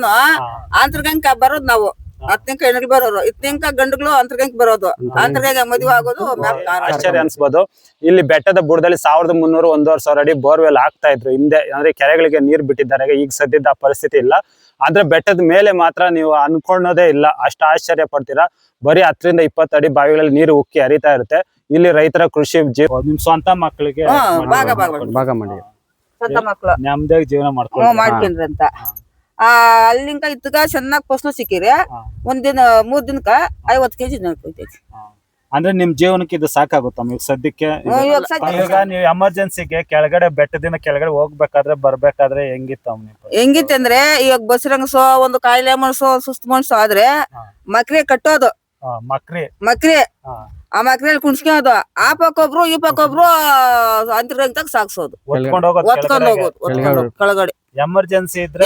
ಎಲ್ಲಾನು ಅಂತರ್ಗಂಕ ಬರೋದು ನಾವು. 10 ಹೆಣ್ಗಳು ಬರೋರು, 10 ಗಂಡುಗಳು ಅಂತರ್ಗಂಕ ಬರೋದು, ಅಂತರ್ಗಂಕ ಮದುವೆ ಆಗೋದು. ಆಶ್ಚರ್ಯ ಅನ್ಸ್ಬೋದು. ಇಲ್ಲಿ ಬೆಟ್ಟದ ಬುಡದಲ್ಲಿ 1300 1,500 ಅಡಿ ಬೋರ್ವೆಲ್ ಆಗ್ತಾ ಇದ್ರು ಹಿಂದೆ. ಅಂದ್ರೆ ಕೆರೆಗಳಿಗೆ ನೀರ್ ಬಿಟ್ಟಿದ್ದಾರೆ. ಈಗ ಸದ್ಯದ ಪರಿಸ್ಥಿತಿ ಇಲ್ಲ. ಆದ್ರೆ ಬೆಟ್ಟದ ಮೇಲೆ ಮಾತ್ರ ನೀವು ಅನ್ಕೊಳ್ಳೋದೇ ಇಲ್ಲ, ಅಷ್ಟು ಆಶ್ಚರ್ಯ ಪಡ್ತೀರಾ. ಬರೀ 10 ರಿಂದ 20 ಅಡಿ ಬಾವಿಗಳಲ್ಲಿ ನೀರು ಉಕ್ಕಿ ಹರಿತಾ ಇರುತ್ತೆ. ಇಲ್ಲಿ ರೈತರ ಕೃಷಿ ನಿಮ್ ಸ್ವಂತ ಮಕ್ಕಳಿಗೆ ಭಾಗ ಮಾಡಿ ಸ್ವಂತ ಮಕ್ಳು ನೆಮ್ಮದಿಯಾಗಿ ಜೀವನ ಮಾಡ್ಕೊಂಡ್ರಂತ. ಅಲ್ಲಿಂಕ ಇತ್ತಗ ಚೆನ್ನಾಗ್ ಫಸಲು ಸಿಕ್ಕಿರಿ. ಒಂದಿನ 3 ದಿನಕ್ಕ 50 ಕೆಜಿ ನಡ್ಕೊತೈತಿ. ಅಂದ್ರೆ ನಿಮ್ ಜೀವನಕ್ಕೆ ಇದು ಸಾಕಾಗುತ್ತಮ್ಮ ಈಗ ಸದ್ಯಕ್ಕೆ? ಈಗ ನೀವು ಎಮರ್ಜೆನ್ಸಿಗೆ ಕೆಳಗಡೆ ಬೆಟ್ಟದಿಂದ ಕೆಳಗಡೆ ಹೋಗ್ಬೇಕಾದ್ರೆ ಬರ್ಬೇಕಾದ್ರೆ ಹೆಂಗಿತ್ತಂದ್ರೆ ಈಗ ಬಸರಂಗಸೋ ಒಂದು ಕಾಯಿಲೆ ಮನ್ಸೋ ಸುಸ್ತು ಮನ್ಸೋ ಆದ್ರೆ ಮಕ್ರಿ ಕಟ್ಟೋದು. ಮಕ್ರಿ ಆ ಮಕ್ರಿಯಲ್ಲಿ ಕುಣ್ಸ್ಕೊಳೋದು. ಆ ಪಕ್ಕೊಬ್ರು ಈ ಪಕ್ಕೊಬ್ರು ಅಂತರ್ಗಂತಾಗ ಸಾಕ್ಸೋದು, ಒತ್ಕೊಂಡ್ ಹೋಗೋದು ಕೆಳಗಡೆ. ಎಮರ್ಜೆನ್ಸಿ ಇದ್ರೆ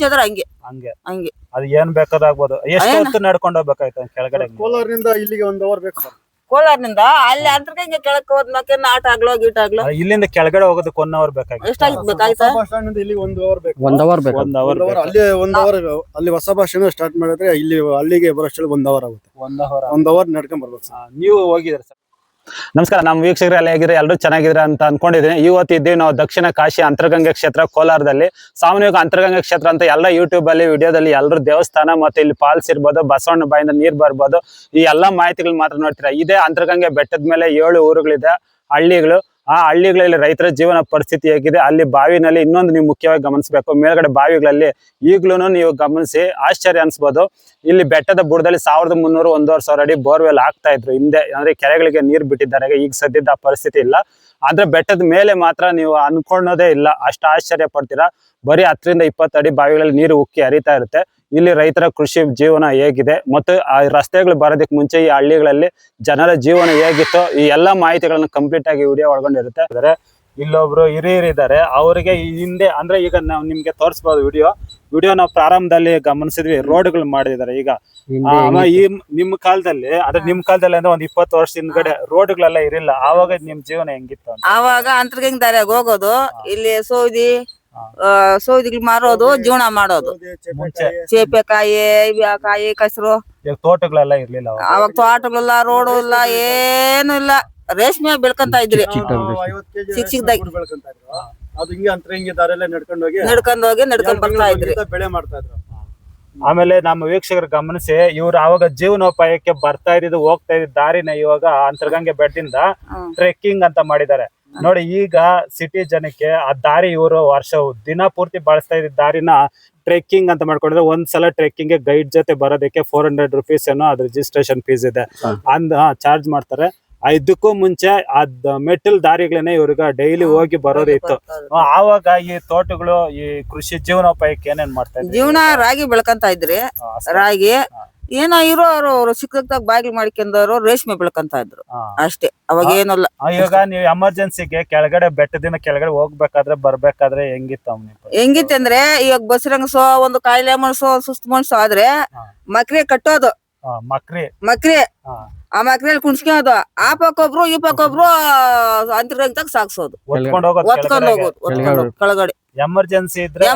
ಹಂಗೆ ಅದು ಏನ್ ಬೇಕಾದಾಗ್ಬೋದು. ಎಷ್ಟು ಹೊತ್ತು ನಡ್ಕೊಂಡು ಹೋಗ್ಬೇಕಾಯ್ತು ಕೆಳಗಡೆ? ಕೋಲಾರದಿಂದ ಇಲ್ಲಿಗೆ 1 ಅವರ್ ಬೇಕು ಸರ್. ಕೋಲಾರದಿಂದ ಅಲ್ಲಿ ಅಂತರ್ಗಂಗೆ ಕೆಳಕ್ ಹೋದ್ಮೇಲೆ ಆಟ ಆಗ್ಲೋ ಗೀಟ ಆಗ್ಲೋ ಇಲ್ಲಿಂದ ಕೆಳಗಡೆ ಹೋಗೋದಕ್ಕೆ 1 ಅವರ್ ಬೇಕಾಗಿತ್ತು. ಎಷ್ಟಾಗಿರ್ಬೇಕಾಯ್ತಾ? ಬಸ್ ಸ್ಟ್ಯಾಂಡ್ ಇಲ್ಲಿ 1 ಅವರ್ ಬೇಕು. 1 ಅವರ್ ಬೇಕು. ಅಲ್ಲಿ 1 ಅವರ್ ಅಲ್ಲಿ ಹೊಸ ಬಸ್ ಸ್ಟ್ಯಾಂಡ್ ಸ್ಟಾರ್ಟ್ ಮಾಡಿದ್ರೆ ಇಲ್ಲಿ ಅಲ್ಲಿಗೆ ಬರೋಷ್ಟರಲ್ಲಿ 1 ಅವರ್ ಆಗುತ್ತೆ. 1 ಅವರ್ ನಡ್ಕೊಂಡ್ ಬರ್ಬೇಕು ಸರ್. ನೀವು ಹೋಗಿದ್ರಿ ಸರ್? ನಮಸ್ಕಾರ, ನಮ್ಮ ವೀಕ್ಷಕರು ಎಲ್ಲ ಹೇಗಿದ್ರೆ ಎಲ್ಲರೂ ಚೆನ್ನಾಗಿದ್ರೆ ಅಂತ ಅನ್ಕೊಂಡಿದ್ದೀನಿ. ಇವತ್ತು ಇದ್ದೀವಿ ನಾವು ದಕ್ಷಿಣ ಕಾಶಿ ಅಂತರ್ಗಂಗೆ ಕ್ಷೇತ್ರ ಕೋಲಾರದಲ್ಲಿ. ಸಾಮಾನ್ಯವಾಗಿ ಅಂತರ್ಗಂಗೆ ಕ್ಷೇತ್ರ ಅಂತ ಎಲ್ಲ ಯೂಟ್ಯೂಬ್ ಅಲ್ಲಿ ವಿಡಿಯೋದಲ್ಲಿ ಎಲ್ಲರೂ ದೇವಸ್ಥಾನ ಮತ್ತೆ ಇಲ್ಲಿ ಫಾಲ್ಸ್ ಇರ್ಬೋದು, ಬಸವಣ್ಣ ಬಾಯಿಂದ ನೀರ್ ಬರ್ಬೋದು, ಈ ಎಲ್ಲಾ ಮಾಹಿತಿಗಳು ಮಾತ್ರ ನೋಡ್ತೀರಾ. ಇದೇ ಅಂತರ್ಗಂಗೆ ಬೆಟ್ಟದ ಮೇಲೆ 7 ಊರುಗಳಿದೆ, ಹಳ್ಳಿಗಳು. ಆ ಹಳ್ಳಿಗಳಲ್ಲಿ ರೈತರ ಜೀವನ ಪರಿಸ್ಥಿತಿ ಹೇಗಿದೆ, ಅಲ್ಲಿ ಬಾವಿನಲ್ಲಿ ಇನ್ನೊಂದು ನೀವು ಮುಖ್ಯವಾಗಿ ಗಮನಿಸಬೇಕು, ಮೇಲ್ಗಡೆ ಬಾವಿಗಳಲ್ಲಿ ಈಗ್ಲೂ ನೀವು ಗಮನಿಸಿ ಆಶ್ಚರ್ಯ ಅನ್ಸ್ಬೋದು. ಇಲ್ಲಿ ಬೆಟ್ಟದ ಬುಡದಲ್ಲಿ 1300 1,500 ಅಡಿ ಬೋರ್ವೆಲ್ ಆಗ್ತಾ ಇದ್ರು ಹಿಂದೆ. ಅಂದ್ರೆ ಕೆರೆಗಳಿಗೆ ನೀರ್ ಬಿಟ್ಟಿದ್ದಾರೆ. ಈಗ ಸದ್ಯದ ಪರಿಸ್ಥಿತಿ ಇಲ್ಲ. ಆದ್ರೆ ಬೆಟ್ಟದ ಮೇಲೆ ಮಾತ್ರ ನೀವು ಅನ್ಕೊಳ್ಳೋದೇ ಇಲ್ಲ, ಅಷ್ಟು ಆಶ್ಚರ್ಯ ಪಡ್ತೀರಾ. ಬರೀ 10 ರಿಂದ 20 ಅಡಿ ಬಾವಿಗಳಲ್ಲಿ ನೀರು ಉಕ್ಕಿ ಹರಿತಾ ಇರುತ್ತೆ. ಇಲ್ಲಿ ರೈತರ ಕೃಷಿ ಜೀವನ ಹೇಗಿದೆ ಮತ್ತು ಆ ರಸ್ತೆಗಳು ಬರೋದಕ್ಕೆ ಮುಂಚೆ ಈ ಹಳ್ಳಿಗಳಲ್ಲಿ ಜನರ ಜೀವನ ಹೇಗಿತ್ತು, ಈ ಎಲ್ಲಾ ಮಾಹಿತಿಗಳನ್ನ ಕಂಪ್ಲೀಟ್ ಆಗಿ ವಿಡಿಯೋ ಒಳಗೊಂಡಿರುತ್ತೆ. ಇಲ್ಲೊಬ್ರು ಹಿರಿಯರಿದ್ದಾರೆ, ಅವರಿಗೆ ಹಿಂದೆ ಅಂದ್ರೆ ಈಗ ನಾವು ನಿಮ್ಗೆ ತೋರಿಸಬಹುದು ವಿಡಿಯೋ ನಾವು ಪ್ರಾರಂಭದಲ್ಲಿ ಗಮನಿಸಿದ್ವಿ. ರೋಡ್ಗಳು ಮಾಡಿದ್ದಾರೆ. ಈಗ ಈ ನಿಮ್ ಕಾಲದಲ್ಲಿ ಅಂದ್ರೆ ಅಂದ್ರೆ ಒಂದ್ 20 ವರ್ಷ ಹಿಂದ್ಗಡೆ ರೋಡ್ಗಳೆಲ್ಲ ಇರಿಲ್ಲ. ಆವಾಗ ನಿಮ್ ಜೀವನ ಹೆಂಗಿತ್ತು? ಆವಾಗ ಅಂತರ್ಗಂಗ ದಾರಿಯಾಗ ಹೋಗೋದು, ಇಲ್ಲಿ ಸೌದಿಗಳು ಮಾರೋದು, ಜೀವನ ಮಾಡೋದು. ಚೇಪೆಕಾಯಿ, ಕಾಯಿ, ಕಸರು. ತೋಟಗಳೆಲ್ಲ ಇರ್ಲಿಲ್ಲ ಅವಾಗ. ತೋಟಗಳೆಲ್ಲ, ರೋಡು ಇಲ್ಲ, ಏನು ಇಲ್ಲ. ರೇಷ್ಮೆ ಬೆಳ್ಕೊಂತ ಇದ್ರಿ. ಅದು ಹಿಂಗೆ ಅಂತರ್ಗಂಗೆ ದಾರಿಯಲ್ಲೇ ನಡ್ಕೊಂಡು ಬರ್ತಾ ಇದ್ರಿ, ಬೆಳೆ ಮಾಡ್ತಾ ಇದ್ರು. ಆಮೇಲೆ ನಮ್ಮ ವೀಕ್ಷಕರು ಗಮನಿಸಿ, ಇವ್ರು ಆವಾಗ ಜೀವನೋಪಾಯಕ್ಕೆ ಬರ್ತಾ ಇದ್ದು ಹೋಗ್ತಾ ಇದ್ದ ದಾರಿನ ಇವಾಗ ಅಂತರ್ಗಂಗೆ ಬೆಟ್ಟದಿಂದ ಟ್ರೆಕ್ಕಿಂಗ್ ಅಂತ ಮಾಡಿದ್ದಾರೆ ನೋಡಿ. ಈಗ ಸಿಟಿ ಜನಕ್ಕೆ ಆ ದಾರಿ ಇವರು ದಿನ ಪೂರ್ತಿ ಬಳಸ್ತಾ ಇದ್ದ ದಾರಿನ ಟ್ರೆಕ್ಕಿಂಗ್ ಅಂತ ಮಾಡ್ಕೊಂಡಿದ್ರೆ, ಒಂದ್ಸಲ ಟ್ರೆಕ್ಕಿಂಗ್ ಗೈಡ್ ಜೊತೆ ಬರೋದಕ್ಕೆ 400 ರೂಪೀಸ್ ಏನೋ ಅದ್ ರಿಜಿಸ್ಟ್ರೇಷನ್ ಫೀಸ್ ಇದೆ, ಚಾರ್ಜ್ ಮಾಡ್ತಾರೆ. ಇದಕ್ಕೂ ಮುಂಚೆ ಅದ್ ಮೆಟಲ್ ದಾರಿಗಳನ್ನೇ ಇವ್ರಿಗೆ ಡೈಲಿ ಹೋಗಿ ಬರೋದಿತ್ತು. ಆವಾಗ ಈ ತೋಟಗಳು ಈ ಕೃಷಿ ಜೀವನೋಪಾಯಕ್ಕೆ ಏನೇನ್ ಮಾಡ್ತಾ ಇದ್ರು? ಜೀವನ ರಾಗಿ ಬೆಳ್ಕಂತ ಇದ್ರಿ. ರಾಗಿ ಏನೋ ಇರೋರು ಸಿಕ್ಕದಾಗ ಬಾಗಿಲು ಮಾಡ್ಕೊಂಡವ್ರು ರೇಷ್ಮೆ ಬೆಳ್ಕಂತ ಇದ್ರು ಅಷ್ಟೇ. ಅವಾಗ ಏನಲ್ಲ. ಇವಾಗ ನೀವು ಎಮರ್ಜೆನ್ಸಿಗೆ ಕೆಳಗಡೆ ಬೆಟ್ಟದಿಂದ ಕೆಳಗಡೆ ಹೋಗ್ಬೇಕಾದ್ರೆ ಬರ್ಬೇಕಾದ್ರೆ ಹೆಂಗಿತ್ತಂದ್ರೆ ಈಗ ಬಸರಂಗಸೋ ಒಂದು ಕಾಯಿಲೆ ಮನ್ಸೋ ಸುಸ್ತು ಮನ್ಸೋ ಆದ್ರೆ ಮಕ್ರಿ ಕಟ್ಟೋದು. ಮಕ್ರಿ ಆ ಮಕ್ರಿಯಲ್ಲಿ ಕುಣ್ಸ್ಕೊಳೋದು. ಆ ಪಕ್ಕೊಬ್ರು ಈ ಪಕ್ಕೊಬ್ರು ಅಂತರ್ಗಂತಾಗ ಸಾಕ್ಸೋದು, ಒತ್ಕೊಂಡ್ ಹೋಗೋದು ಕೆಳಗಡೆ. ಎಮರ್ಜೆನ್ಸಿ ಇದ್ರೆ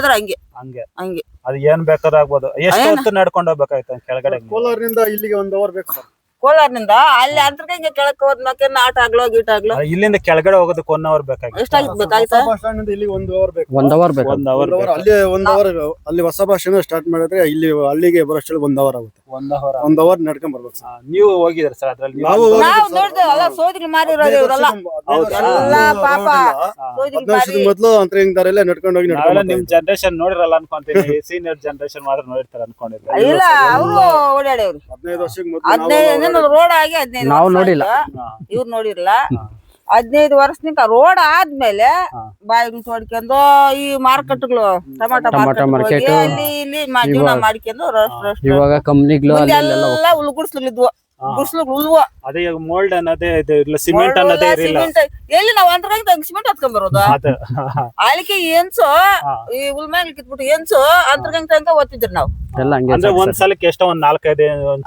ಹಂಗೆ ಅದು ಏನ್ ಬೇಕಾದಾಗ್ಬೋದು. ಎಷ್ಟು ಹೊತ್ತು ನಡ್ಕೊಂಡು ಹೋಗ್ಬೇಕಾಯ್ತು ಕೆಳಗಡೆ? ಕೋಲಾರದಿಂದ ಇಲ್ಲಿಗೆ 1 ಅವರ್ ಬೇಕು ಸರ್. ಕೋಲಾರದಿಂದ ಅಲ್ಲಿ ಅಂತರ್ಗಂಗೆ ಕೆಳಕ್ ಹೋದ್ಮೇಲೆ ಆಟ ಆಗ್ಲೋ ಗೀಟ ಆಗ್ಲೋ. ಇಲ್ಲಿಂದ ಕೆಳಗಡೆ ಹೋಗೋದಕ್ಕೆ 1 ಅವರ್ ಬೇಕಾಗಿತ್ತು. ಎಷ್ಟಾಗಿರ್ಬೇಕಾಯ್ತಾ? ಬಸ್ ಸ್ಟ್ಯಾಂಡ್ ಇಲ್ಲಿ 1 ಅವರ್ ಬೇಕು. 1 ಅವರ್ ಬೇಕು. ಅಲ್ಲಿ 1 ಅವರ್ ಅಲ್ಲಿ ಹೊಸ ಬಸ್ ಸ್ಟ್ಯಾಂಡ್ ಸ್ಟಾರ್ಟ್ ಮಾಡಿದ್ರೆ ಇಲ್ಲಿ ಅಲ್ಲಿಗೆ ಬರೋಷ್ಟರಲ್ಲಿ 1 ಅವರ್ ಆಗುತ್ತೆ. 1 ಅವರ್ ನಡ್ಕೊಂಡ್ ಬರ್ಬೇಕು ಸರ್. ನೀವು ಹೋಗಿದ್ರಿ ಸರ್ ಅದ್ರಲ್ಲಿ? ನಾವು ಸೋದಿಗೆ ಮಾರಿರೋದು ಇವರೆಲ್ಲ ಪಾಪ. 15 ವರ್ಷದ ಮೊದಲು ಅಂತರ್ಗಂಗೆ ದಾರಿಯಲ್ಲೇ ನಡ್ಕೊಂಡು ಹೋಗಿ ನಿಮ್ ಜನರೇಷನ್ ನೋಡಿರಲ್ಲ ಅನ್ಕೊಂತೀನಿ. ಸೀನಿಯರ್ ಜನರೇಷನ್ ಮಾತ್ರ ನೋಡಿರ್ತಾರೆ ಅನ್ಕೊಂಡಿದ್ರೆ. ಇಲ್ಲ, ಅವರು ಓಡಾಡವ್ರಿ. 15 ವರ್ಷಕ್ಕೆ ಮೊದಲು ರೋಡ್ ಆಗಿ 15 ನಾವು ನೋಡಿಲ್ಲ, ಇವ್ರು ನೋಡಿರ್ಲ. 15 ವರ್ಷನಿಂದ ರೋಡ್ ಆದ್ಮೇಲೆ ಬಾಯಿಗೆ ತೋಡ್ಕೊಂಡು ಈ ಮಾರ್ಕೆಟ್ಗಳು, ಟೊಮಾಟೊ ಮಾರ್ಕೆಟ್ ಅಲ್ಲಿ ಇಲ್ಲಿ ಜೀವನ ಮಾಡ್ಕೊಂಡು ಇವಾಗ ಕಂಪ್ನಿಗಳು ಎಲ್ಲ ಉಳ್ಗುಡ್ಸ್ಲಿದ್ವು. ಅದೇ ಮೋಲ್ಡ್ ಅನ್ನೋದೇ ಇಲ್ಲ, ಸಿಮೆಂಟ್ ಅನ್ನೋದೇ ಇರಲಿಲ್ಲ. ಎಲ್ಲಿ ನಾವು ಅಂತರ್ಗಂಗೆ ಸಿಮೆಂಟ್ ಹತ್ಕೊಂಡ್ ಬರೋದು? ಅಲ್ಲಿಗೆ ಏನ್ಸು ಈ ಉಲ್ಮ್ಯಾಗ ಕಿತ್ಬಿಟ್ಟು ಏನ್ಸು ಅಂತರ್ಗಂಗೆ ತನಕ ಓದ್ತಿದ್ರಿ ನಾವು. ಅಂದ್ರೆ ಒಂದ್ ಸಲಕ್ಕೆ ಎಷ್ಟೋ ಒಂದ್ 4-5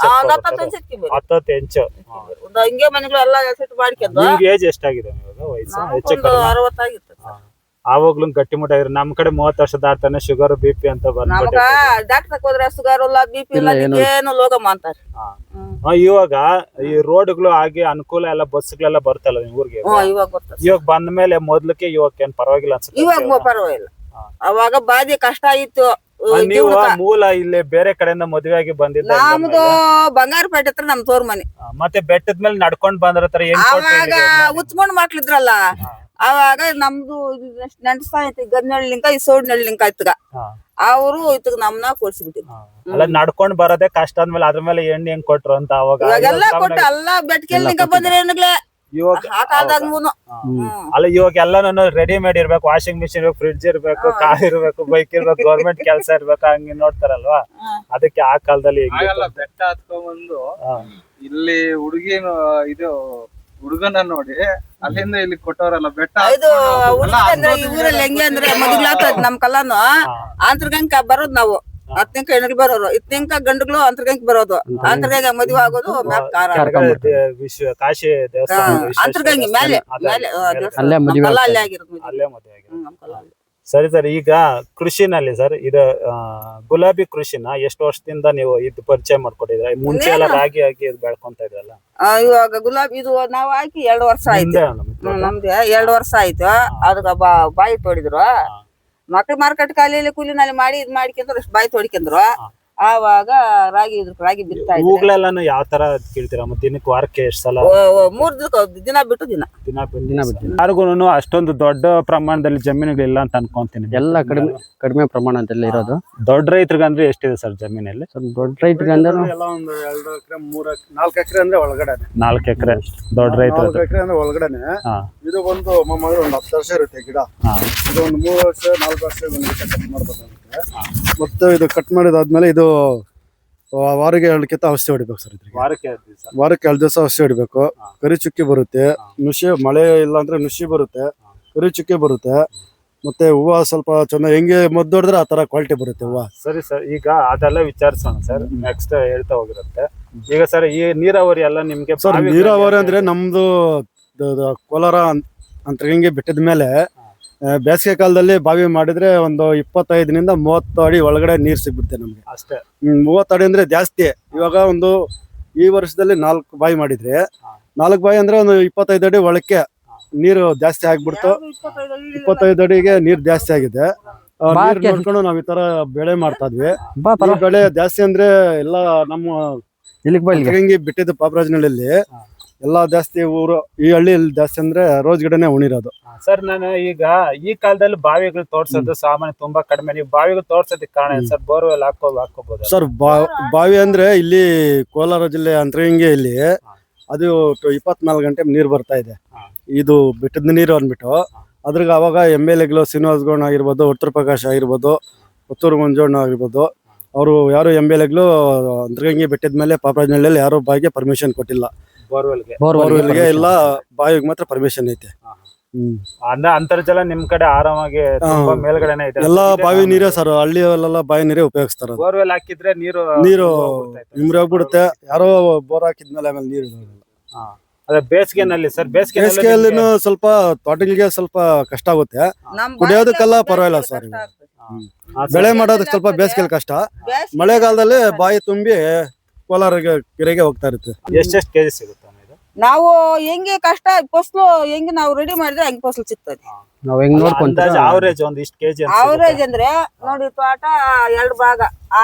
10 ಇಂಚು ಹಿಂಗೆ ಮನೆಗಳು ಎಲ್ಲ ಸೆಟ್ ಮಾಡ್ಕೊಂಡು. ಏಜ್ ಎಷ್ಟಾಗಿದೆ? ವಯಸ್ಸು 60 ಆಗಿತ್ತು. ಆವಾಗ್ಲೂ ಗಟ್ಟಿಮುಟ್ಟಾಗಿದ್ರು. ನಮ್ ಕಡೆ 30 ವರ್ಷ ದಾಟ್ತಾನೆ ಶುಗರ್ BP ಅಂತ ನಮಗ ಬಂದ್ಬಿಟ್ಟೆ. ಡಾಕ್ಟರ್ ಹೋದ್ರೆ ಶುಗರ್ ಇಲ್ಲ BP ಇಲ್ಲ ಏನು ಲೋಗಮ್ಮ ಅಂತಾರೆ. ಇವಾಗ ಈ ರೋಡ್ಗಳು ಆಗಿ ಅನುಕೂಲ ಎಲ್ಲ ಬಸ್ಗಳೆಲ್ಲ ಬರ್ತಲ್ಲ ನಿಮ್ ಊರಿಗೆ. ಇವಾಗ ಬರ್ತದೆ. ಇವಾಗ ಬಂದ ಮೇಲೆ ಮೊದ್ಲಕ್ಕೆ ಇವಾಗ ಏನ್ ಪರವಾಗಿಲ್ಲ ಅನ್ಸುತ್ತೆ. ಇವಾಗ ಪರವಾಗಿಲ್ಲ. ಅವಾಗ ಬಾದಿ ಕಷ್ಟ ಇತ್ತು. ನೀವು ಮೂಲ ಇಲ್ಲಿ ಬೇರೆ ಕಡೆಯಿಂದ ಮದುವೆ ಆಗಿ ಬಂದಿದ್ದ. ನಮ್ದು ಬಂಗಾರಪೇಟೆ ಹತ್ರ ನಮ್ ತೋರ್ ಮನೆ. ಮತ್ತೆ ಬೆಟ್ಟದ ಮೇಲೆ ನಡ್ಕೊಂಡ್ ಬಂದ್ರ ಅವಾಗ ಉಚ್ಕೊಂಡ್ ಮಕ್ಳಿದ್ರಲ್ಲ, ಅವಾಗ ನಮ್ದು ನೆಂಟಸಾಯ್ತು ಗದ್ನಳ್ಳಿಂಕ ಈ ಸೋಡ್ನಳ್ಳಿಂಕ ಇತ್ತಗ ಅವರು ಇತ್ತಗ ನಮ್ನ ಕೊಡ್ಸಿಬಿಟ್ಟಿದ್ರು. ಅಲ್ಲ ನಡ್ಕೊಂಡ್ ಬರೋದೇ ಕಷ್ಟ ಅಂದ್ಮೇಲೆ ಅದ್ರ ಮೇಲೆ ಎಣ್ಣೆ ಹೆಂಗ್ ಕೊಟ್ರು ಅಂತ ಅವಾಗ ಇವಾಗೆಲ್ಲ ಕೊಟ್ಟು ಎಲ್ಲ ಬೆಟ್ಕೆಲ್ನಿಂಕ ಬಂದ್ರೆ ಏನಾಗ್ಲೇ ಆ ಕಾಲದಾಗ್ನು. ಅಲ್ಲ ಇವಾಗ ಎಲ್ಲಾನು ರೆಡಿಮೇಡ್ ಇರ್ಬೇಕು, ವಾಷಿಂಗ್ ಮಿಷಿನ್ ಇರ್ಬೇಕು, ಫ್ರಿಡ್ಜ್ ಇರ್ಬೇಕು, ಕಾರ್ ಇರ್ಬೇಕು, ಬೈಕ್ ಇರ್ಬೇಕು, ಗೌರ್ಮೆಂಟ್ ಕೆಲಸ ಇರ್ಬೇಕು, ಹಂಗೆ ನೋಡ್ತಾರಲ್ವಾ. ಅದಕ್ಕೆ ಆ ಕಾಲದಲ್ಲಿ ಬೆಟ್ಟ ಹತ್ಕೊಂಡ್ಬಂದು ಇಲ್ಲಿ ಹುಡುಗಿನ ಇದು ಹುಡುಗನ ನೋಡಿ ಅಲ್ಲಿಂದ ಇಲ್ಲಿ ಕೊಟ್ಟವ್ರಲ್ಲ ಬೆಟ್ಟ. ಇದು ಈ ಊರಲ್ಲಿ ಹೆಂಗೆ ಅಂದ್ರೆ ಮದುಗ್ಲಾಗ್ತದ ನಮ್ ಕಲ್ಲಾನು ಅಂತರ್ಗಂಕ ಬರೋದ್ ನಾವು 10 ಹೆಣ್ಗಳು ಬರೋರು, 10 ಗಂಡುಗಳು ಅಂತರ್ಗಂಕ ಬರೋದು. ಅಂತರ್ಗಂಗ ಮದುವೆ ಆಗೋದು ಕಾಶಿ ದೇವಸ್ಥಾನ ಅಂತರ್ಗಂಗಿ ಮೇಲೆ ಅಲ್ಲೇ ಮದುವೆ ಆಗಿರೋದು. ಸರಿ ಸರ್, ಈಗ ಕೃಷಿನಲ್ಲಿ ಸರ್ ಇದು ಗುಲಾಬಿ ಕೃಷಿನ ಎಷ್ಟು ವರ್ಷದಿಂದ ನೀವು ಇದು ಪರಿಚಯ ಮಾಡ್ಕೊಟ್ಟಿದ್ರೆ? ಮುಂಚೆ ಎಲ್ಲ ರಾಗಿ ಹಾಕಿ ಬೆಳ್ಕೊಂತ ಇದ್ರಲ್ಲ. ಇವಾಗ ಗುಲಾಬಿ ಇದು ನಾವ್ ಹಾಕಿ 2 ವರ್ಷ ಆಯ್ತು. ನಮ್ದು 2 ವರ್ಷ ಆಯ್ತು. ಅದಕ್ಕ ಬಾಯಿ ತೋಡಿದ್ರು. ಮಕ್ಳು ಮಾರ್ಕೆಟ್ ಕಾಲಿಯಲ್ಲಿ ಕೂಲಿನಲ್ಲಿ ಮಾಡಿ ಇದ್ ಮಾಡ್ಕೊಂಡ್ರು, ಅಷ್ಟು ಬಾಯಿ ತೋಡ್ಕೊಂಡ್ರು. ಆವಾಗ ರಾಗಿ ಬಿತ್ತಾ ಇದ್ರು. ಹೂಗಳೆಲ್ಲಾನು ಯಾವ ತರ ಕೀಳ್ತೀರಾ? ದಿನಕ್ಕೆ ವಾರಕ್ಕೆ ಎಷ್ಟು ಸಲ? 3 ದಿನ ಬಿಟ್ಟು ದಿನ ಬಿಟ್ಟು. ಯಾರಿಗೂ ಅಷ್ಟೊಂದು ದೊಡ್ಡ ಪ್ರಮಾಣದಲ್ಲಿ ಜಮೀನುಗಳಿಲ್ಲ ಅಂತ ಅನ್ಕೊಂತೀನಿ. ಎಲ್ಲ ಕಡಿಮೆ ಪ್ರಮಾಣದಲ್ಲಿ ಇರೋದು. ದೊಡ್ಡ ರೈತರಿಗಂದ್ರೆ ಎಷ್ಟಿದೆ ಸರ್ ಜಮೀನಲ್ಲಿ? ದೊಡ್ಡ ರೈತರಿಗಂದ್ರೆ ಎಲ್ಲ ಒಂದು 2 ಎಕರೆ 3 ಎಕರೆ 4 ಎಕರೆ ಅಂದ್ರೆ ಒಳಗಡೆ. 4 ಎಕರೆ ದೊಡ್ಡ ರೈತರು. 4 ಎಕರೆ ಅಂದ್ರೆ ಒಳಗಡೆನೆ. ಇದು ಒಂದು ಮಾಮೂಲಿ ಒಂದು 10 ವರ್ಷ ಇರುತ್ತೆ ಗಿಡ. ಇದು ಒಂದು 3 ವರ್ಷ 4 ವರ್ಷ ಕಟ್ ಮಾಡ್ಬೇಕಾಗುತ್ತೆ. ಮತ್ತೆ ಇದು ಕಟ್ ಮಾಡಿದಾದ್ಮೇಲೆ ಇದು ವಾರಿಗೆ 2 ಕಿತ್ತ ಔಷಧಿ ಹೊಡಿಬೇಕು ಸರ್. ವಾರಕ್ಕೆ 2 ದಿವಸ ಔಷಧಿ ಹೊಡಿಬೇಕು. ಕರಿ ಚುಕ್ಕಿ ಬರುತ್ತೆ, ನುಷಿ, ಮಳೆ ಇಲ್ಲ ಅಂದ್ರೆ ನುಷಿ ಬರುತ್ತೆ, ಕರಿ ಚುಕ್ಕಿ ಬರುತ್ತೆ. ಮತ್ತೆ ಹೂವ ಸ್ವಲ್ಪ ಚೆನ್ನಾಗಿ ಹೆಂಗೆ ಮದ್ದು ಹೊಡೆದ್ರೆ ಆ ತರ ಕ್ವಾಲಿಟಿ ಬರುತ್ತೆ ಹೂವ. ಸರಿ ಸರ್, ಈಗ ಅದೆಲ್ಲ ವಿಚಾರಿಸೋಣ ಸರ್, ನೆಕ್ಸ್ಟ್ ಹೇಳ್ತಾ ಹೋಗಿರುತ್ತೆ. ಈಗ ಸರ್ ಈ ನೀರಾವರಿ ಎಲ್ಲ ನಿಮ್ಗೆ? ಸರ್ ನೀರಾವರಿ ಅಂದ್ರೆ ನಮ್ದು ಕೋಲಾರ ಅಂತರ್ಗಂಗೆ ಬೆಟ್ಟದ ಮೇಲೆ ಬೇಸಿಗೆ ಕಾಲದಲ್ಲಿ ಬಾವಿ ಮಾಡಿದ್ರೆ ಒಂದು 25 ನಿಂದ 30 ಅಡಿ ಒಳಗಡೆ ನೀರ್ ಸಿಗ್ಬಿಡುತ್ತೆ ನಮ್ಗೆ ಅಷ್ಟೇ. 30 ಅಡಿ ಅಂದ್ರೆ ಜಾಸ್ತಿ. ಇವಾಗ ಒಂದು ಈ ವರ್ಷದಲ್ಲಿ 4 ಬಾವಿ ಮಾಡಿದ್ರೆ 4 ಬಾವಿ ಅಂದ್ರೆ ಒಂದು 25 ಅಡಿ ಒಳಕ್ಕೆ ನೀರು ಜಾಸ್ತಿ ಆಗ್ಬಿಡ್ತು. 25 ಅಡಿಗೆ ನೀರ್ ಜಾಸ್ತಿ ಆಗಿದೆ. ನೀರ್ ನೋಡ್ಕೊಂಡು ನಾವ್ ಈ ತರ ಬೆಳೆ ಮಾಡ್ತಾ ಇದ್ವಿ. ಬೆಳೆ ಜಾಸ್ತಿ ಅಂದ್ರೆ ಎಲ್ಲ ನಮ್ಮ ಗಂಗಿ ಬಿಟ್ಟಿದ್ದು ಪಾಪರಾಜನಹಳ್ಳಿಯಲ್ಲಿ ಎಲ್ಲಾ ಜಾಸ್ತಿ ಊರು ಈ ಹಳ್ಳಿಯಲ್ಲಿ ಜಾಸ್ತಿ ಅಂದ್ರೆ ರೋಜ್ ಗಿಡನೇ ಉಣಿರೋದು. ಸರ್ ನಾನು ಈಗ ಈ ಕಾಲದಲ್ಲಿ ಬಾವಿಗಳು ತೋರ್ಸೋದು ಸಾಮಾನ್ಯ ತುಂಬಾ ಕಡಿಮೆ. ನೀವು ಬಾವಿಗಳು ತೋರ್ಸೋದಕ್ಕೆ ಕಾರಣ ಏನು ಸರ್? ಬೋರ್ವೆಲ್ ಹಾಕೋಬಹುದು ಸರ್. ಬಾವಿ ಅಂದ್ರೆ ಇಲ್ಲಿ ಕೋಲಾರ ಜಿಲ್ಲೆ ಅಂತರಗಂಗೆಯಲ್ಲಿ ಅದು 24 ಗಂಟೆ ನೀರು ಬರ್ತಾ ಇದೆ. ಇದು ಬೆಟ್ಟದ ನೀರು ಅಂದ್ಬಿಟ್ಟು ಅದ್ರಾಗ ಅವಾಗ MLAಗಳು ಶ್ರೀನಿವಾಸ್ ಗೌಡ ಆಗಿರ್ಬೋದು, ಉತ್ತರ ಪ್ರಕಾಶ್ ಆಗಿರ್ಬೋದು, ಪುತ್ತೂರು ಮಂಜಣ್ಣ ಆಗಿರ್ಬೋದು, ಅವರು ಯಾರು MLAಗಳು ಅಂತರಗಂಗೆ ಬೆಟ್ಟದ ಮೇಲೆ ಪಾಪರಾಜನಹಳ್ಳಿಯಲ್ಲಿ ಯಾರು ಬಾವಿಗೆ ಪರ್ಮಿಷನ್ ಕೊಟ್ಟಿಲ್ಲ. ಬೋರ್ವೆಲ್ಗೆ ಇಲ್ಲ, ಬಾವಿಗೆ ಮಾತ್ರ ಪರ್ಮಿಷನ್ ಐತೆ. ಅಂತರ್ಜಲ ನಿಮ್ ಕಡೆ ಆರಾಮಾಗಿ ಮೇಲ್ಗಡೆನೆ ಇದೆ. ಎಲ್ಲಾ ಬಾವಿ ನೀರೇ ಸರ್, ಹಳ್ಳಿಯಲ್ಲೆಲ್ಲ ಬಾವಿ ನೀರೇ ಉಪಯೋಗಿಸ್ತಾರ. ಬೋರ್ವೆಲ್ ಹಾಕಿದ್ರೆ ನೀರು ನಿಮ್ರೆ ಹೋಗ್ಬಿಡುತ್ತೆ. ಯಾರೋ ಬೋರ್ ಹಾಕಿದ್ಮೇಲೆ ಆಮೇಲೆ ನೀರು ಅದೇ ಬೇಸಿಗೆನಲ್ಲಿ ಸರ್? ಬೇಸಿಗೆಯಲ್ಲಿ ಸ್ವಲ್ಪ ತೋಟಗಳಿಗೆ ಸ್ವಲ್ಪ ಕಷ್ಟ ಆಗುತ್ತೆ. ಕುಡಿಯೋದಕ್ಕೆಲ್ಲ ಪರವಾಗಿಲ್ಲ ಸರ್. ಬೆಳೆ ಮಾಡೋದಕ್ಕೆ ಸ್ವಲ್ಪ ಬೇಸಿಗೆಯಲ್ಲಿ ಕಷ್ಟ. ಮಳೆಗಾಲದಲ್ಲಿ ಬಾಯಿ ತುಂಬಿ ಕೋಲಾರ ಕೆರೆಗೆ ಹೋಗ್ತಾ ಇರುತ್ತೆ. ಎಷ್ಟೆಷ್ಟು ಕೆಜಿ ಸಿಗುತ್ತೆ? ನಾವು ಹೆಂಗೆ ಕಷ್ಟ ಫಸಲು ಹೆಂಗೆ ನಾವು ರೆಡಿ ಮಾಡಿದ್ರೆ ಹಂಗೆ ಫಸಲು ಸಿಗ್ತದೆ. ನಾವ್ ಹೆಂಗ್ ನೋಡ್ಕೊಂತೀವಿ ಅವರೇಜ್ ಒಂದ್ ಇಷ್ಟು ಕೆಜಿ ಅವರೇಜ್ ಅಂದ್ರೆ ನೋಡಿ, ತೋಟ 2 ಭಾಗ.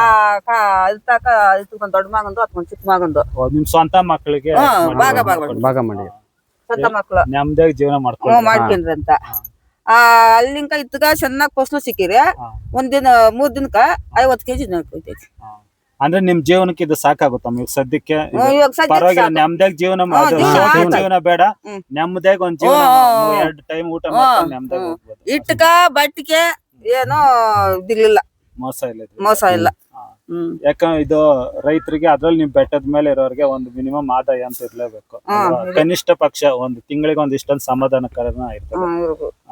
ಇತ್ಕೊಂಡ್ ದೊಡ್ಡ ಮಗಂದು ಅತ್ಕೊಂಡ್ ಚಿಕ್ಕ ಮಗಂದು ನಿಮ್ ಸ್ವಂತ ಮಕ್ಕಳಿಗೆ ಭಾಗ ಮಾಡಿ ಸ್ವಂತ ಮಕ್ಳು ನೆಮ್ಮದಿಯಾಗಿ ಜೀವನ ಮಾಡ್ಕೊಂಡ್ರಿ ಅಂತ. ಅಲ್ಲಿಂಕ ಇತ್ತಗ ಚೆನ್ನಾಗ್ ಫಸಲು ಸಿಕ್ಕಿರಿ. 3 ದಿನಕ್ಕ 50 ಕೆಜಿ ಹೋಗ್ತೈತಿ. ಅಂದ್ರೆ ನಿಮ್ ಜೀವನಕ್ಕೆ ಇದು ಸಾಕಾಗುತ್ತಮ್ಮ ಈಗ ಸದ್ಯಕ್ಕೆ? ಪರವಾಗಿಲ್ಲ, ನೆಮ್ಮದಿಯಾಗಿ ಜೀವನ ಬೇಡ, ನೆಮ್ಮದಿಯಾಗಿ ಒಂದ್ ಜೀವನ 2 ಟೈಮ್ ಊಟ ಮಾಡ್ಕೊಂಡು ನೆಮ್ಮದಿಯಾಗಿ ಹೋಗ್ಬೋದು. ಇಟ್ಟಕ ಬಟ್ಟಿಗೆ ಏನೋ ಇದಿರ್ಲಿಲ್ಲ, ಮೋಸ ಇಲ್ಲ. ಯಾಕಂದ್ರೆ ಇದು ರೈತರಿಗೆ, ಅದ್ರಲ್ಲಿ ನಿಮ್ ಬೆಟ್ಟದ ಮೇಲೆ ಇರೋರಿಗೆ ಒಂದು ಮಿನಿಮಮ್ ಆದಾಯ ಅಂತ ಇರ್ಲೇಬೇಕು. ಕನಿಷ್ಠ ಪಕ್ಷ ಒಂದು ತಿಂಗಳಿಗೆ ಒಂದ್ ಇಷ್ಟೊಂದು ಸಮಾಧಾನಕರನ ಇರ್ತದೆ.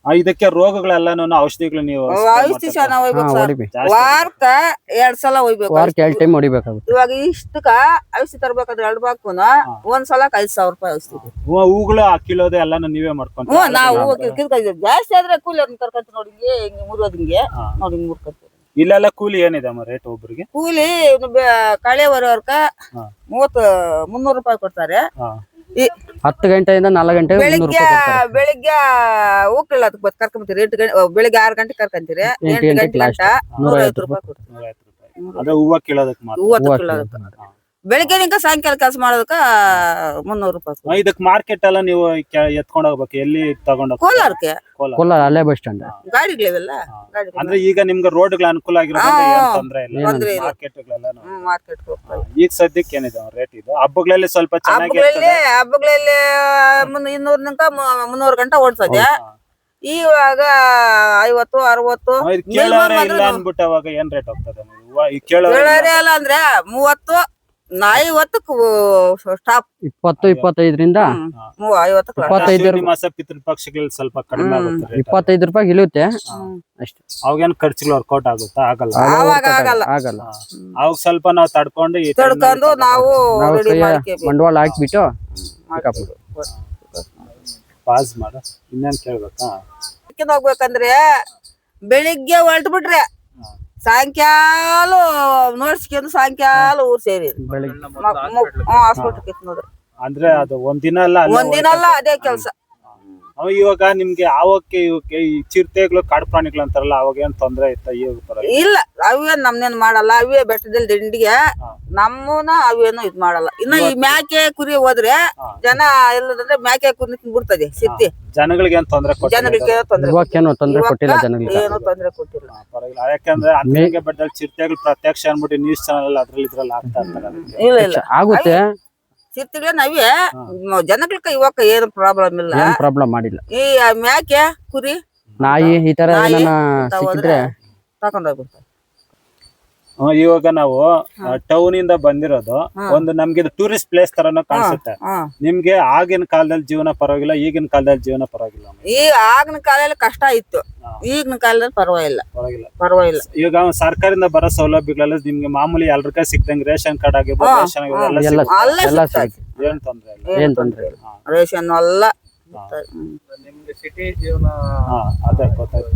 ಇದಕ್ಕೆ ರೋಗಗಳೆಲ್ಲಾನು ಔಷಧಿಗಳು ನೀವು ಔಷಧಿ ಚೆನ್ನಾಗ್ ಹೋಗ್ಬೇಕು ಸರ್. ಹೊಡಿಬೇಕು. ವಾರಕ್ಕ 2 ಸಲ ಹೋಗ್ಬೇಕು. ವಾರಕ್ಕೆ 2 ಟೈಮ್ ಹೊಡಿಬೇಕಾಗುತ್ತೆ. ಇವಾಗ ಇಷ್ಟಕ್ಕ ಔಷಧಿ ತರ್ಬೇಕಾದ್ರೆ 2 ಬಾಕುನ ಒಂದ್ ಸಲಕ್ 5,000 ರೂಪಾಯಿ ಔಷಧಿ. ಹೂಗಳು ಕೀಳೋದು ಎಲ್ಲಾನು ನೀವೇ ಮಾಡ್ಕೊಂತೀವಿ. ನಾವು ಜಾಸ್ತಿ ಆದ್ರೆ ಕೂಲಿ ಅವ್ರನ್ನ ಕರ್ಕೊಂತ ನೋಡಿ ಹಿಂಗೆ ಮುರಿಯೋದ್ ಹಿಂಗೆ ನೋಡಿ ಹಿಂಗ್ ಮುರ್ಕೊಂತೀವಿ. ಇಲ್ಲೆಲ್ಲ ಕೂಲಿ ಏನಿದೆ ರೇಟ್ ಒಬ್ರಿಗೆ? ಕೂಲಿ ಕಳೆ ಹೊರವರ್ಕ 300 ರೂಪಾಯಿ ಕೊಡ್ತಾರೆ. 10 ಗಂಟೆಯಿಂದ 4 ಗಂಟೆ 300 ಬೆಳಿಗ್ಗೆ ರೂಪಾಯಿ ಕೊಡ್ತಾರೆ. ಬೆಳಿಗ್ಗೆ ಹೋಗ್ಲಿಲ್ಲ ಅದಕ್ಕೆ ಕರ್ಕೊಂಬತ್ತೀರಿ 8 ಗಂಟೆ ಬೆಳಿಗ್ಗೆ 6 ಗಂಟೆ ಕರ್ಕೊಂತೀರಿ 8 ಗಂಟೆ ಗಂಟ 150 ರೂಪಾಯಿ ಕೊಡ್ತೀವಿ. 150 ರೂಪಾಯಿ. ಅದೇ ಹೂವ ಕೀಳೋದಕ್ಕೆ ಮಾತ್ರ. ಹೂವ ಕೀಳೋದಕ್ಕೆ ಬೆಳಿಗ್ಗೆ ನಿಂಕ ಸಾಯಂಕಾಲ ಕೆಲಸ ಮಾಡೋದಕ್ಕ 300 ರೂಪಾಯಿ. ಇದಕ್ ಮಾರ್ಕೆಟ್ ಎಲ್ಲ ನೀವು ಎತ್ಕೊಂಡ್ ಹೋಗ್ಬೇಕು. ಎಲ್ಲಿ ತಗೊಂಡ್ ಕೋಲಾರಕ್ಕೆ ಕೋಲಾರ ಅಲ್ಲೇ ಬಸ್ ಸ್ಟ್ಯಾಂಡ್. ಗಾಡಿಗಳಿವೆಲ್ಲ ಅಂದ್ರೆ ಈಗ ನಿಮ್ಗೆ ರೋಡ್ಗಳು ಅನುಕೂಲ ಆಗಿರೋದ್ರಿಂದ ಏನ್ ತೊಂದ್ರೆ ಇಲ್ಲ. ತೊಂದ್ರೆ ಇಲ್ಲ. ಮಾರ್ಕೆಟ್ಗಳೆಲ್ಲ ಮಾರ್ಕೆಟ್ ಹೋಗ್ತಾರೆ. ಈಗ ಸದ್ಯಕ್ಕೆ ಏನಿದೆ ರೇಟ್ ಇದು? ಹಬ್ಬಗಳಲ್ಲಿ ಸ್ವಲ್ಪ ಚೆನ್ನಾಗಿ ಹಬ್ಬಗಳಲ್ಲಿ 200 ನಿಂಕ 300 ಗಂಟೆ ಓಡ್ಸೋದೆ. ಇವಾಗ 50 60 ಕೇಳೋರೆ ಇಲ್ಲ ಅನ್ಬಿಟ್ಟು ಅವಾಗ ಏನ್ ರೇಟ್ ಹೋಗ್ತದೆ? ಕೇಳೋರೆ ಅಲ್ಲ ಅಂದ್ರೆ 30 50 ಸ್ಟಾಪ್. 20-25ರಿಂದ 50 25 ಮಾಸ ಪಿತೃಪಕ್ಷಗಳಲ್ಲಿ ಸ್ವಲ್ಪ ಕಡಿಮೆ ಆಗುತ್ತೆ rate. 25 ರೂಪಾಯಿ ಇಳಿಯುತ್ತೆ ಅಷ್ಟೇ. ಅವಾಗೇನ್ ಖರ್ಚುಗಳು ವರ್ಕೌಟ್ ಆಗುತ್ತಾ? ಆಗಲ್ಲ. ಆವಾಗ ಆಗಲ್ಲ. ಅವಾಗ ಸ್ವಲ್ಪ ನಾವು ತಡ್ಕೊಂಡು ಈ time ತಡ್ಕೊಂಡು ನಾವು ನಾವು ರೆಡಿ ಕೈಯ ಮಾಡ್ಕೇಬೇಕು. ಬಂಡವಾಳ ಹಾಕ್ಬಿಟ್ಟು ಪಾಸ್ ಮಾಡು. ಇನ್ನೇನ್ ಕೇಳ್ಬೇಕಾ? ಹೋಗ್ಬೇಕಂದ್ರೆ ಬೆಳಿಗ್ಗೆ ಹೊರಟು ಬಿಟ್ರೆ ಸಾಯಂಕಾಲ ನೋಡ್ಸ್ಕೊಂಡು ಸಾಯಂಕಾಲ ಊರ್ ಸೇರಿ ಹಾಸ್ಪಿಟಲ್ ನೋಡ್ರಿ. ಅಂದ್ರೆ ಅದು ಒಂದಿನ ಅಲ್ಲ, ಅಲ್ಲೇ ಒಂದಿನ ಅಲ್ಲ ಅದೇ ಕೆಲ್ಸ. ಇವಾಗ ನಿಮ್ಗೆ ಅವಕ್ಕೆ ಇವಕ್ಕೆ ಈ ಚಿರತೆಗಳು ಕಾಡು ಪ್ರಾಣಿಗಳು ಅಂತಾರಲ್ಲ, ಅವಾಗ ಏನ್ ತೊಂದ್ರೆ ಇತ್ತ? ಇವಾಗ ಪರವಾಗಿಲ್ಲ. ಇಲ್ಲ ಅವೇನ್ ನಮ್ನೇನ್ ಮಾಡಲ್ಲ. ಅವೇ ಬೆಟ್ಟದಲ್ಲಿ ದಿಂಡಿಗೆ ನಮ್ಮನ ಅವೇನು ಇದ್ ಮಾಡಲ್ಲ. ಇನ್ನು ಈ ಮ್ಯಾಕೆ ಕುರಿ ಹೋದ್ರೆ ಜನ ಎಲ್ಲದಂದ್ರೆ ಮ್ಯಾಕೆ ಕುರಿ ಬಿಡ್ತದೆ ಸಿತ್ತಿ. ಜನಗಳಿಗೆ ಏನ್ ತೊಂದ್ರೆ ಕೊಟ್ಟಿಲ್ಲ? ಜನಗಳಿಗೆ ತೊಂದ್ರೆ ಇವಕ್ಕೇನು ತೊಂದ್ರೆ ಕೊಟ್ಟಿಲ್ಲ ಜನಗಳಿಗೆ. ಏನು ತೊಂದ್ರೆ ಕೊಟ್ಟಿಲ್ಲ. ಪರವಾಗಿಲ್ಲ. ಯಾಕಂದ್ರೆ ಅಂತಂಗೆ ಬೆಟ್ಟದಲ್ಲಿ ಚಿರತೆಗಳು ಪ್ರತ್ಯಕ್ಷ ಅನ್ಬಿಟ್ಟು ನ್ಯೂಸ್ ಚಾನಲ್ ಅದ್ರಲ್ಲಿ ಇದ್ರಲ್ಲಿ ಆಗ್ತಾ ಇರ್ತಾರೆ. ಅದಕ್ಕೆ ಇಲ್ಲ ಇಲ್ಲ ಆಗುತ್ತೆ. ಸಿರ್ತಿಗೆ ನಾವೇ ಜನಗಳಿಗೆ ಇವಾಗ ಏನು ಪ್ರಾಬ್ಲಮ್ ಇಲ್ಲ. ಏನ್ ಪ್ರಾಬ್ಲಮ್ ಮಾಡಿಲ್ಲ. ಈ ಮ್ಯಾಕೆ ಕುರಿ ನಾಯಿ ಈ ತರ ಏನಾನ ಸಿಕ್ಕಿದ್ರೆ ತಕೊಂಡೋಗ್ಬಿಡ್ತಾರೆ. ಇವಾಗ ನಾವು ಟೌನ್ ಇಂದ ಬಂದಿರೋದು ಒಂದು ನಮ್ಗೆ ಇದು ಟೂರಿಸ್ಟ್ ಪ್ಲೇಸ್ ತರನು ಕಾಣಿಸುತ್ತೆ. ನಿಮ್ಗೆ ಆಗಿನ ಕಾಲದಲ್ಲಿ ಜೀವನ ಪರವಾಗಿಲ್ಲ, ಈಗಿನ ಕಾಲದಲ್ಲಿ ಜೀವನ ಪರವಾಗಿಲ್ಲ? ಈ ಆಗಿನ ಕಾಲದಲ್ಲಿ ಕಷ್ಟ ಇತ್ತು, ಈಗಿನ ಕಾಲದಲ್ಲಿ ಪರವಾಗಿಲ್ಲ. ಪರವಾಗಿಲ್ಲ. ಈಗ ಸರ್ಕಾರದಿಂದ ಬರೋ ಸೌಲಭ್ಯಗಳೆಲ್ಲ ನಿಮ್ಗೆ ಮಾಮೂಲಿ ಎಲ್ರಿಗ ಸಿಕ್ತಂಗೆ ರೇಷನ್ ಕಾರ್ಡ್ ಆಗಿರ್ಬೋದು, ರೇಷನ್ ಎಲ್ಲ ಸಿಗುತ್ತೆ. ಏನ್ ತೊಂದ್ರೆ ಇಲ್ಲ. ಏನ್ ತೊಂದ್ರೆ ಇಲ್ಲ. ರೇಷನ್ ಎಲ್ಲ ನಿಮ್ಗೆ ಸಿಟಿ ಜೀವನ ಅದೇ ಗೊತ್ತಾಯ್ತು.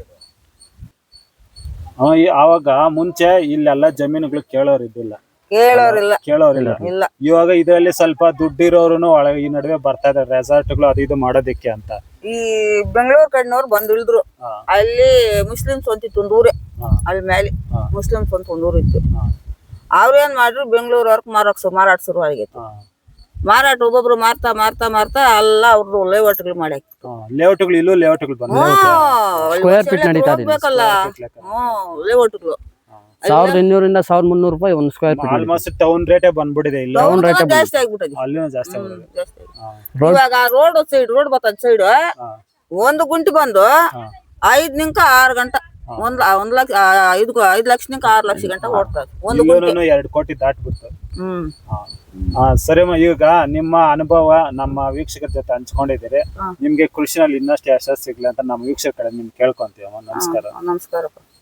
ಆವಾಗ ಮುಂಚೆ ಇಲ್ಲೆಲ್ಲ ಜಮೀನುಗಳು ಕೇಳೋರಿದ್ದಿಲ್ಲ. ಇಲ್ಲ. ಇವಾಗ ಇದರಲ್ಲಿ ಸ್ವಲ್ಪ ದುಡ್ಡಿರೋರು ಒಳಗೆ ಈ ನಡುವೆ ಬರ್ತಾ ಇದಾರೆ ರೆಸಾರ್ಟ್ಗಳು ಅದು ಇದು ಮಾಡೋದಕ್ಕೆ ಅಂತ. ಈ ಬೆಂಗಳೂರು ಕಡೆನವ್ರು ಬಂದು ಇಳಿದ್ರು. ಅಲ್ಲಿ ಮುಸ್ಲಿಮ್ಸ್ ಒಂದಿತ್ತು ಒಂದು ಊರೇ, ಅಲ್ಲಿ ಮೇಲೆ ಮುಸ್ಲಿಮ್ಸ್ ಅಂತ ಒಂದು ಊರು ಇತ್ತು. ಅವ್ರೇನ್ ಮಾಡ್ರು ಬೆಂಗಳೂರವ್ರಿಗೆ ಮಾರಾಟ ಶುರು ಆಗಿತ್ತು. ಮಾರಾಟ ಒಬ್ಬೊಬ್ರು ಮಾರ್ತಾ ಮಾರ್ತಾ ಮಾರ್ತಾ ಎಲ್ಲ ಅವ್ರದ್ದು ಲೇಔಟ್ಗಳು ಮಾಡಿ ಲೇಔಟ್ಗಳು ಇಲ್ಲೂ ಲೇಔಟ್ಗಳು ಬಂದು ಸ್ಕ್ವೇರ್ ಫೀಟ್ ನಡೀತಾ ಇದೆ. ಹೋಗ್ಬೇಕಲ್ಲ ಲೇಔಟ್ಗಳು 1200ರಿಂದ 1300 ರೂಪಾಯಿ ಒಂದು ಸ್ಕ್ವೇರ್ ಫೀಟ್. ಆಲ್ಮೋಸ್ಟ್ ಟೌನ್ ರೇಟೇ ಬಂದ್ಬಿಟ್ಟಿದೆ. ಇಲ್ಲಿ ಜಾಸ್ತಿ ಆಗ್ಬಿಟ್ಟಿದೆ. ಅಲ್ಲಿನೂ ಜಾಸ್ತಿ ಇವಾಗ ರೋಡ್ ಬರ್ತದ ಸೈಡ್ ಒಂದು ಗುಂಟಿ ಬಂದು 5 ನಿಂಕ 6 ಗಂಟೆ 1 ಲಕ್ಷ 5 ಲಕ್ಷ ನಿಂಕ 6 ಲಕ್ಷ ಗಂಟೆ ಓಡ್ತದೆ ಒಂದು ಗುಂಟಿ. 2 ಕೋಟಿ ದಾಟ್ಬಿಡ್ತು. ಸರಿಮ್ಮ, ಈಗ ನಿಮ್ಮ ಅನುಭವ ನಮ್ಮ ವೀಕ್ಷಕರ ಜೊತೆ ಹಂಚ್ಕೊಂಡಿದ್ದೀರಿ. ನಿಮ್ಗೆ ಕೃಷಿನಲ್ಲಿ ಇನ್ನಷ್ಟು ಯಶಸ್ಸು ಸಿಗ್ಲಿ ಅಂತ ನಮ್ಮ ವೀಕ್ಷಕರ ನಿಮ್ಗೆ ಕೇಳ್ಕೊಂತೀವಮ್ಮ. ನಮಸ್ಕಾರ. ನಮಸ್ಕಾರಪ್ಪ.